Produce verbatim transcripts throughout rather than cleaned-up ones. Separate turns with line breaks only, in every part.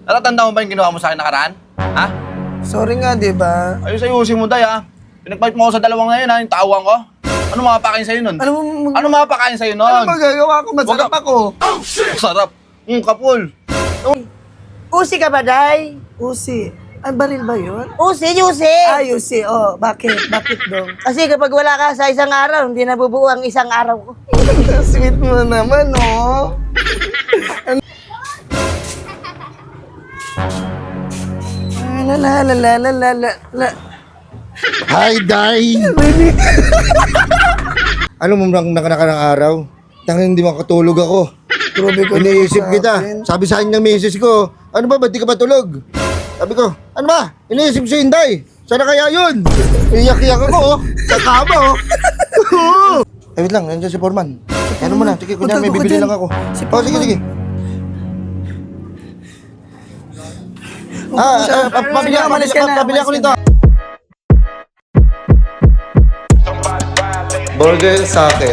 Natatanda mo ba yung ginawa mo sa akin nakaraan? Ha?
Sorry nga, di ba?
Ayos ayusin mo, day, ha? Pinagpalit mo ako sa dalawang ngayon, ha? Yung tawang ko. Ano mapapakain sa'yo nun?
Ano mo?
Ano mapapakain sa'yo nun?
Ano magagawa ko? Masarap
Wag ka-
ako.
Sarap. Mm, kapul.
Usi ka ba, Day?
Usi. Ay, baril ba yun?
Usi, Usi!
Ay, Usi. Oh, bakit? Bakit daw?
Kasi kapag wala ka sa isang araw, hindi nabubuo ang isang araw ko.
Sweet mo naman, oh. La la la la la la la la.
Hi, Day! Ano mo nang nakanang araw? Tanging hindi makatulog ako.
Grabe ko
Iniisip
naman sa
kita.
akin.
Sabi sa akin ng misis ko, ano ba, ba't di ka matulog? Sabi ko, ano ba? Iniisip si Inday. Sana kaya yun? Iyak-iyak ako, oh. Sa kama, oh. Eh, wait lang, nandiyan si Foreman. Ano mo na, sige, kunya may
Punta ko
bibili
dyan.
lang ako.
Si
Oh, sige,
Foreman.
sige. Ah,
siya.
ah, pa- pabili
Sige,
ako,
umalis ka na,
pabili ako
umalis
nito.
ka
Burger sa akin.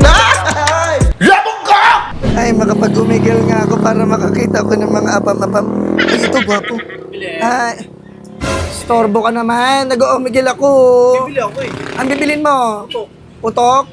Ay, makapag-umigil nga ako para makakita ko ng mga apam-apam. Ay, ito, gwapo. Ay, storbo ka naman. Nag-umigil ako.
Bibili ako, eh.
Ang bibilin mo?
Putok.
Putok?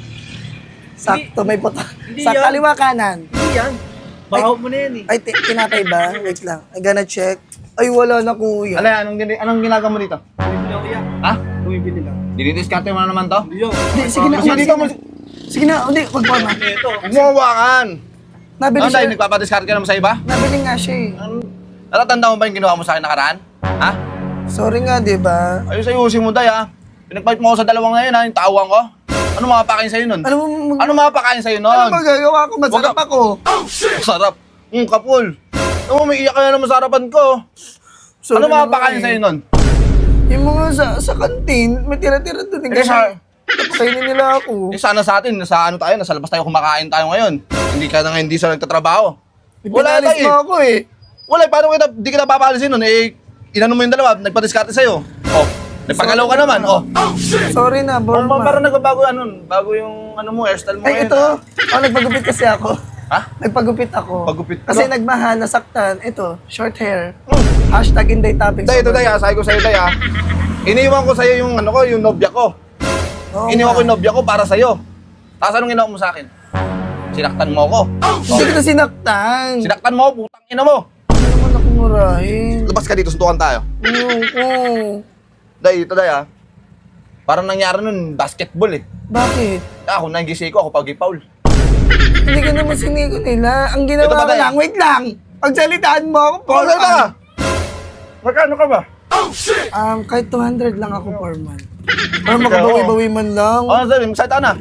Sakto, may putok.
Hindi
Sa
yan.
kaliwa kanan.
Hindi yan. Bakaw mo na yan, eh.
Ay, ti- tinapay ba? Wait lang. I gonna check. Ay, wala na, kuya.
Alay, anong, gini- anong ginagawa mo dito?
Bumibili ako yan.
Ha?
Bumibili lang.
Dinidiskarte mo na naman to?
Hindi yun.
Hindi, sige na.
Kasi
umalis
dito
ka
mo...
na. Sige na, hindi, wag pa na.
Ito.
Huwag mo hawakan.
Nabili
Ano, day,
siya.
nagpapadiskarte ka naman sa iba?
Nabili nga siya eh.
Natatanda mo ba yung ginawa mo sa akin nakaraan? Ha?
Sorry nga, di ba?
Ayos ayusin mo, day, ha? Pinagpalit mo ako sa dalawang ngayon, ha? Yung tawang ko. Ano mapapakain sa'yo nun?
Ano mo?
Ano mapapakain sa'yo nun?
Ano magagawa ko? Masarap
Wag ka-
ako.
Sarap. Mm, kapul. Ano mo, may iyak ka na naman sa harapan ko.
Sorry
Ano
naman
mapapakain
eh.
sa'yo nun?
Yung mga sa, sa kantin, may tira-tira doon.
Eh, sa-
Kainin nila ako.
Eh, sana sa atin, nasa ano tayo, nasa labas tayo kumakain tayo ngayon. Hindi ka na nga hindi sa nagtatrabaho. Wala
Pinalis
tayo
mo
eh.
ako eh.
Wala, eh, paano kita, di kita papalisin nun? Eh, inano mo yung dalawa, nagpadiskarte sa'yo. Oh, nagpagalaw ka naman, oh.
Sorry na,
Oh,
Borma.
parang nagbabago ano, bago yung ano mo, hairstyle mo
Ay,
ngayon.
ito. Oh, nagpagupit kasi ako.
Ha?
Nagpagupit ako.
Pagupit ka?
Kasi nagmahal, nasaktan. Ito, short hair. Hashtag Inday Topics.
Day, ito day, ah, sabi ko sa'yo, day, ah. Iniwan ko sa'yo yung ano ko, yung nobya ko.
Oo
Iniwan ko
nga.
yung nobya ko para sa'yo. Tapos anong ginawa mo sa akin? Sinaktan mo ako.
Hindi kita sinaktan.
Sinaktan mo ako, putang ina mo.
Ano naman ako murahin?
Labas ka dito, suntukan tayo.
Ayoko.
Day, ito day, ah. Parang nangyari nun, basketball eh.
Bakit?
Ako, nangisi ko, ako pag-foul.
Hindi ka naman sinigo nila. Ang ginawa
Ito ba,
ko
Day?
lang, wait lang. Pagsalitaan mo ako,
Paul,
Foreman.
ka? Magkano ka ba?
Um, kahit two hundred lang ako, Foreman. Para
Ikaw.
makabawi-bawi man lang.
Oh, sorry, magsalita na.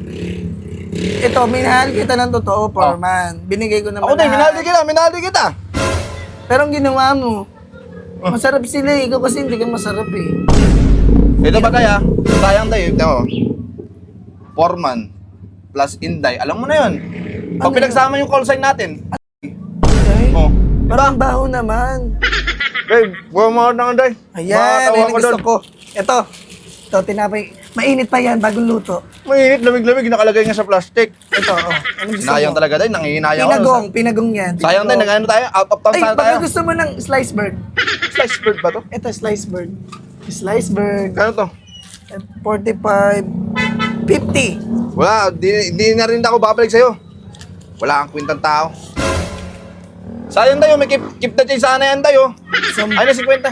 Ito, minahal kita ng totoo, Foreman. Binigay ko naman
Ako din,
lahat.
minaldi kita, minaldi kita.
Pero ang ginawa mo, masarap sila eh. Ikaw kasi hindi ka masarap eh.
Ito ba kaya? Sayang tayo, ito mo. Foreman plus Inday, alam mo na yun. Pag
Ano
pinagsama yung call sign natin.
Okay?
Oh.
Parang baho naman.
Babe, buwan mo na nga, Day.
Ayan,
Makakatawa
yan ang
ko
gusto
doon.
ko. Ito, ito, tinapay. Mainit pa yan, bagong luto.
Mainit, lamig-lamig, nakalagay nga sa plastic.
Ito, oh. Anong gusto
Sinayang
mo?
talaga, Day. Nangihinayang
Pinagong, pinagong yan.
Sayang, Day.
Pinagong.
Nag-ano tayo? Out of town
Ay,
sana
baka
tayo.
gusto mo ng slice bird.
Slice bird ba to?
Ito, slice bird. Slice bird.
Kano to?
forty-five, fifty.
Wala, di, di na rin ako babalik sa'yo. Wala kang kwintang tao. Sayang tayo, may keep, keep the change sana yan tayo.
Sam-
Ay na si kwenta.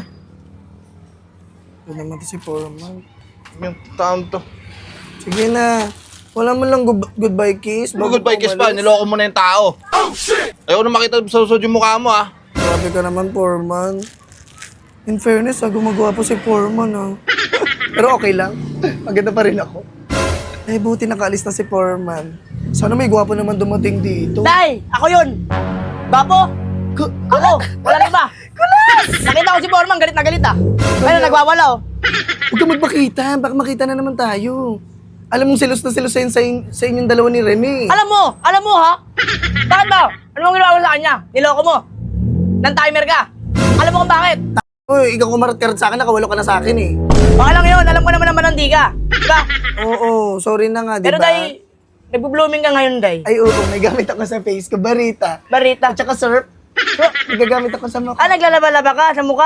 Ito naman to si Foreman.
Yung taon to.
Sige na. Wala mo lang good- goodbye kiss. bago
Goodbye
ka
kiss pa,
umalis.
niloko mo na yung tao. Ayaw na makita sa susod yung mukha mo ah.
Grabe ka naman, Foreman. In fairness, ah, gumagawa po si Foreman, ah. Pero okay lang. Maganda pa rin ako. Eh, buti nakaalis na si Foreman. Sana may gwapo naman dumating dito.
Day, ako yun! Bapo!
Ku-
Ako! Wala na iba! Kulas! Nakita ko si Foreman, galit na galit ah. Ayun, nagwawala oh.
Huwag ka magpakita. Baka makita na naman tayo. Alam mong silos na silos sa, sa, sa inyong dalawa ni Rene.
Alam mo, alam mo ha? Bakit ba? Ano mong ginawa mo sa kanya? Niloko mo. Nang timer ka. Alam mo kung bakit?
Uy, ikaw kumarat-karat sa akin, nakawalo ka na sa akin eh.
Okay lang yun, alam ko naman naman hindi ka. Diba?
Oo, sorry na nga, di
Pero
ba?
Day, nagbo-blooming ka ngayon, Day.
Ay, oo, may gamit ako sa face ko. Barita.
Barita.
At saka syrup. Nagagamit ako sa mukha.
Ah, naglalaba-laba ka sa mukha.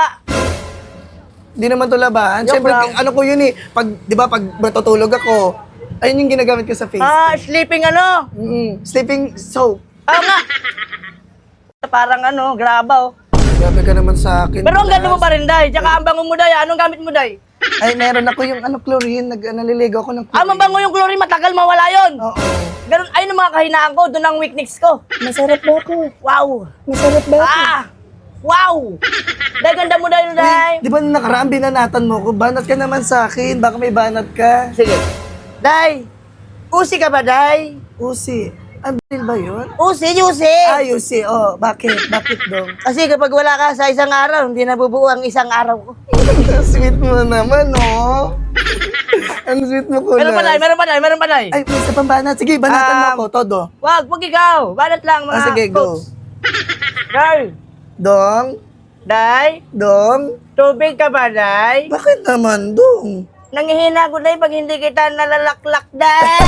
Di naman to labahan.
Joke
Siyempre,
lang.
ano ko yun eh. Pag, di ba, pag matutulog ako, ayun yung ginagamit ko sa face.
Ah, sleeping ano?
Mm, sleeping soap.
Oo nga. Parang ano, graba oh.
Grabe ka naman sa akin.
Pero ang ganda mo
Kulas.
pa rin, Day. Tsaka ang bango mo, Day. Anong gamit mo, Day?
Ay, meron ako yung ano, chlorine. Nag, naliligaw ako ng chlorine.
Ah, mabango yung chlorine. Matagal mawala yon.
Oo.
Ganun, ayun ang mga kahinaan ko. Doon ang weakness ko.
Masarap ba ako?
Wow.
Masarap ba ako?
Ah! Wow! Day, ganda mo, Day, Day.
Di ba nung nakaraan binanatan mo ko? Banat ka naman sa akin. Baka may banat ka.
Sige. Day, usi ka ba, Day?
Usi. Ang bilil ba yun?
Usi, usi.
Ah, Usi. Oh, bakit? Bakit dong?
Kasi kapag wala ka sa isang araw, hindi nabubuo ang isang araw ko.
Sweet mo naman, oh. Ang sweet mo, Kulas.
Meron pa, Day, meron pa, Day, meron pa, Day.
Ay, may isa pang banat. Sige, banatan mo
Um,
ako. Todo.
Wag, wag ikaw. Banat lang, mga
Ah, sige, go.
folks. Day,
Dong?
Day,
Dong?
tubig ka ba, Day?
Bakit naman, Dong?
Nangihina ko, Day, pag hindi kita nalalaklak, Day.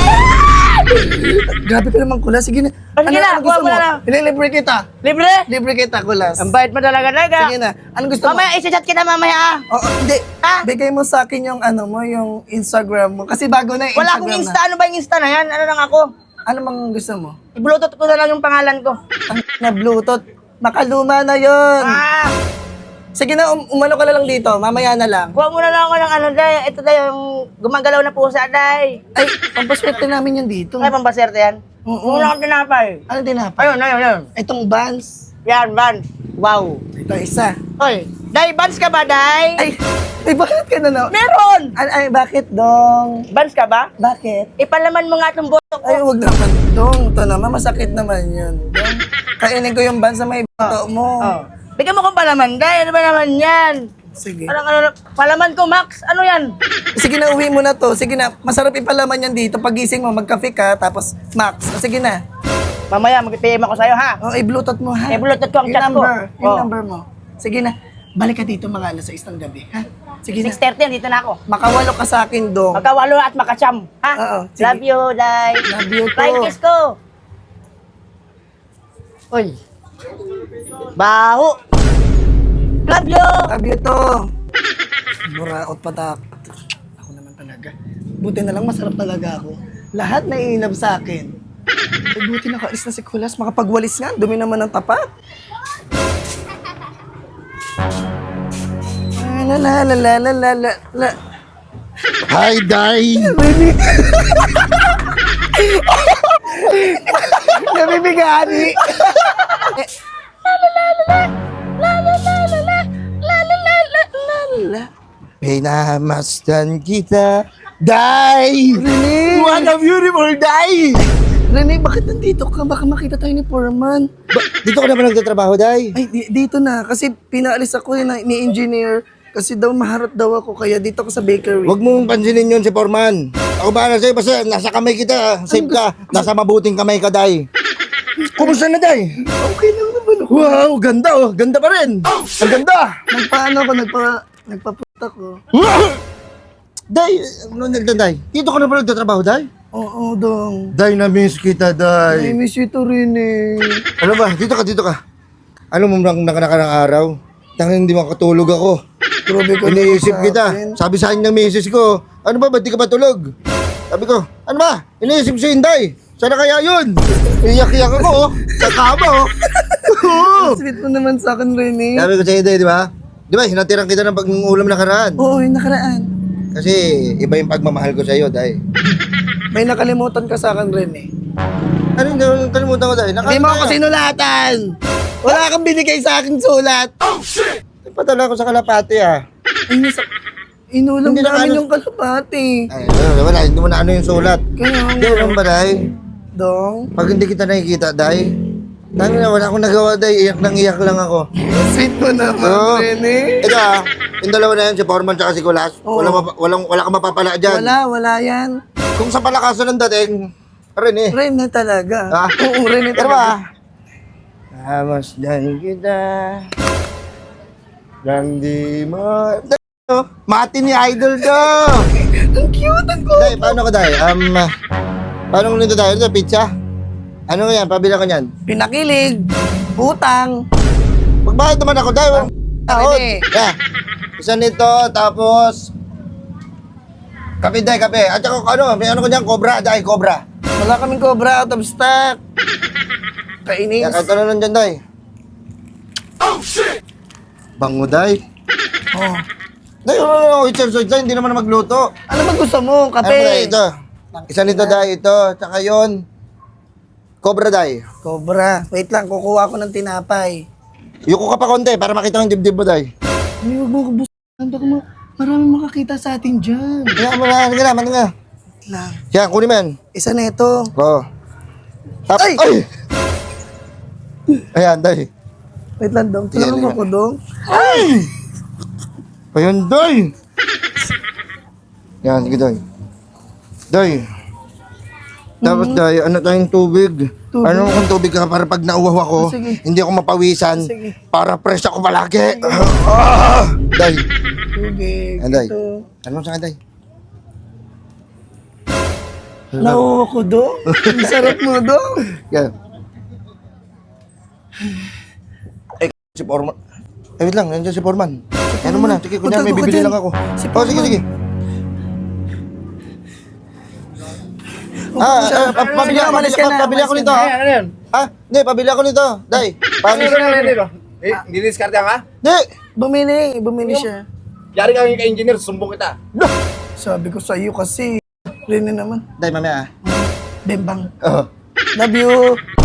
Grabe ka naman, Kulas. Sige na.
Ah, sige na,
gusto
kuha mo na lang.
Ililibre kita.
Libre?
Libre kita, Kulas.
Ang bait mo talaga, Day. ka.
Sige na. Anong gusto mo?
Mamaya, isa-chat kita mamaya, ah.
Oo, hindi.
Ah?
Bigay mo sa akin yung ano mo, yung Instagram mo. Kasi bago na yung
Wala
Instagram
akong
na.
Insta. Ano ba yung Insta na yan? Ano lang ako?
Ano mang gusto mo?
I-bluetooth ko na lang yung pangalan ko.
Ang na Bluetooth. Makaluma na yon.
Ah!
Sige na, um, umano ka na lang dito. Mamaya na lang.
Kuha mo na lang ako ng ano, Day. Ito, Day, yung gumagalaw na pusa, Day.
Ay, pampaswerte namin yan dito.
Ay, pambaserte yan.
Oo.
Wala akong tinapay.
Ano tinapay?
Ayun, ayun, ayun.
Itong Vans.
Yan, Vans. Wow.
Ito isa.
Oy, Day, Vans ka ba, Day?
Ay, ay bakit ka na na?
Meron!
Ay, ay, bakit dong?
Vans ka ba?
Bakit?
Ipalaman mo nga itong boto ko.
Ay, wag naman dong. Ito naman, masakit naman yun. Dong. Kainin ko yung Vans na may bato mo.
Oh. Bigyan mo kong palaman, Day. Ano ba naman yan?
Sige.
Parang ano, palaman ko, Max. Ano yan?
Sige na, uwi mo na to. Sige na, masarap ipalaman yan dito. Pagising mo, magkape ka, tapos Max. O, sige na.
Mamaya, mag-P M ako sa'yo, ha?
O, i-bluetooth mo, ha?
I-bluetooth ko ang
Yung
chat ko.
number, Yung
Oh.
number mo. Sige na, balik ka dito mga alas sais ng gabi, ha? Sige na.
six thirty, dito na ako.
Makawalo ka sa akin, dong.
Magkawalo at makacham, ha?
Oo, sige.
Love you, Day.
Love you too.
Flying kiss ko. Uy. Baho. Love you.
Love you to. Buraot patak. Ako naman talaga. Buti na lang masarap talaga ako. Lahat na iinab sa akin. Ay, buti nakaalis na si Kulas. Makapagwalis nga. Dumi naman ng tapat. Ah, La la la la la la la la.
Hi, Day!
Nabibigani. Eh, la.
Pinamasdan kita, Day!
Rene!
What a beautiful day!
Rene, bakit nandito ka? Baka makita tayo ni Foreman.
Ba, dito ka na ba nagtatrabaho, Day?
Ay, di- dito na. Kasi pinaalis ako yun na- ni engineer. Kasi daw maharap daw ako. Kaya dito ako sa bakery.
Huwag mong pansinin yun si Foreman. Ako bahala sa'yo, basta nasa kamay kita, safe ka. Nasa mabuting kamay ka, Day. Kumusta na, Day?
Okay lang naman ako.
Wow, ganda oh. Ganda pa rin. Ang ganda.
Nagpaano ako, nagpa, nagpapunta ko.
Day, ano nagda, Day? Dito ka na ba nagtatrabaho, Day?
Oo, dong.
Day, na-miss kita,
I
Day.
miss you to rin eh.
Ano ba? Dito ka, dito ka. Ano mo nang nakanaka ng araw? Tangin hindi makatulog ako.
Grabe ka
Iniisip
naman sa
kita.
akin.
Sabi sa akin ng misis ko, ano ba, ba't di ka ba tulog? Sabi ko, ano ba? Iniisip si Inday. Sana kaya yun? Iyak-iyak ako, oh. Sa kama, oh. Oo.
Sweet mo naman sa akin, Rene.
Sabi ko sa Inday, di ba? Di ba, hinatiran kita ng pag-ulam na karaan.
Oo, yung nakaraan.
Kasi iba yung pagmamahal ko sa iyo, Day.
May nakalimutan ka sa akin, Rene.
Ano yung kalimutan ko, Day?
Hindi mo ako sinulatan. Wala kang binigay sa akin sulat.
Patala ko sa kalapati, ah.
Ay, nasa... Inulam
Hindi na
namin
ano-
yung kalapati.
Ay, wala, wala. Hindi mo na ano yung sulat.
Kaya
Hindi, alam ba, Day?
Dong.
Pag hindi kita nakikita, Day, dami na, wala akong nagawa, Day. Iyak nang iyak lang ako.
Sweet mo naman,
Oo.
Rene.
Ito ah, yung dalawa na yan, si Foreman tsaka si Kulas.
Oo.
Wala, mapa, walang, wala kang mapapala dyan.
Wala, wala yan.
Kung sa palakasan ng dating, rin eh.
Rene talaga.
Ah?
Oo, Rene
Pero ba?
talaga.
Namasdan kita. Lang di mo. Mati ni Idol to.
Ang cute, ang cute.
Day, paano ka, Day? Um, paano nito, Day? Ito, pizza? Ano yan? Pabila ka niyan?
Pinakilig, utang,
Magbayad naman ako, day. Ahod.
Pwede.
Yeah. Isa nito, tapos... Kape, day, kape. At saka, ano, may ano ko dyan, cobra, day, cobra.
Wala kaming cobra, out of stock. Kainis.
Yeah, kahit ano nandyan, day. Oh, shit! Bango, day.
Oh.
Day, oh, i-charge day, hindi naman na magluto.
Ano ba gusto mo?
Ano ba,
Kape?
day, ito. Isa nito, day, ito. Tsaka yun. Cobra, day.
Cobra. Wait lang, kukuha ko ng tinapay.
Yuko ka pa konti para makita ko yung dibdib mo, day.
Ay, huwag mo kabusan. Baka ma marami makakita sa atin dyan.
Kaya mo na, ano nga, ano nga.
Wait lang.
Yan, kunin mo yan.
Isa na ito.
Oo. Tap-
Ay!
Ay! Ayan, day.
Wait lang, Dong.
Sige,
Tulungan mo
sige.
ko, Dong.
Ayan, day. Yan, sige, day. Day. Dapat, day, ano tayong tubig?
Tubig?
Ano kung tubig ka para pag nauwaw ako,
Ah, sige.
hindi ako mapawisan,
Sige.
para fresh ako palagi. Ah! Day.
Tubig.
Ayan, day.
Ito.
Ano mo sa akin, day?
Nauwa ko, Dong. Ang sarap mo, Dong.
Yan. Eh, si Foreman. Eh, wait lang, nandiyan si Foreman. Ano mo na, sige, kunyari may
Punta ko
bibili
dyan.
lang ako.
Si
Oh, sige,
Foreman.
sige. Ah, ah, pa- pabili
Sige,
ako,
umalis
pabili,
ka na,
pabili ako
umalis
nito.
ka
Ano yan?
Ah, hindi, pabili ako nito. Day,
Ano
pabili.
yun? Ano yun? Eh, hindi diskarte ka?
Hindi.
Bumili. Bumili siya.
Yari ka yung engineer, sumbong kita.
Sabi ko sa iyo kasi. Rene naman.
Day, mamaya ah.
Bembang.
Oh.
Love you.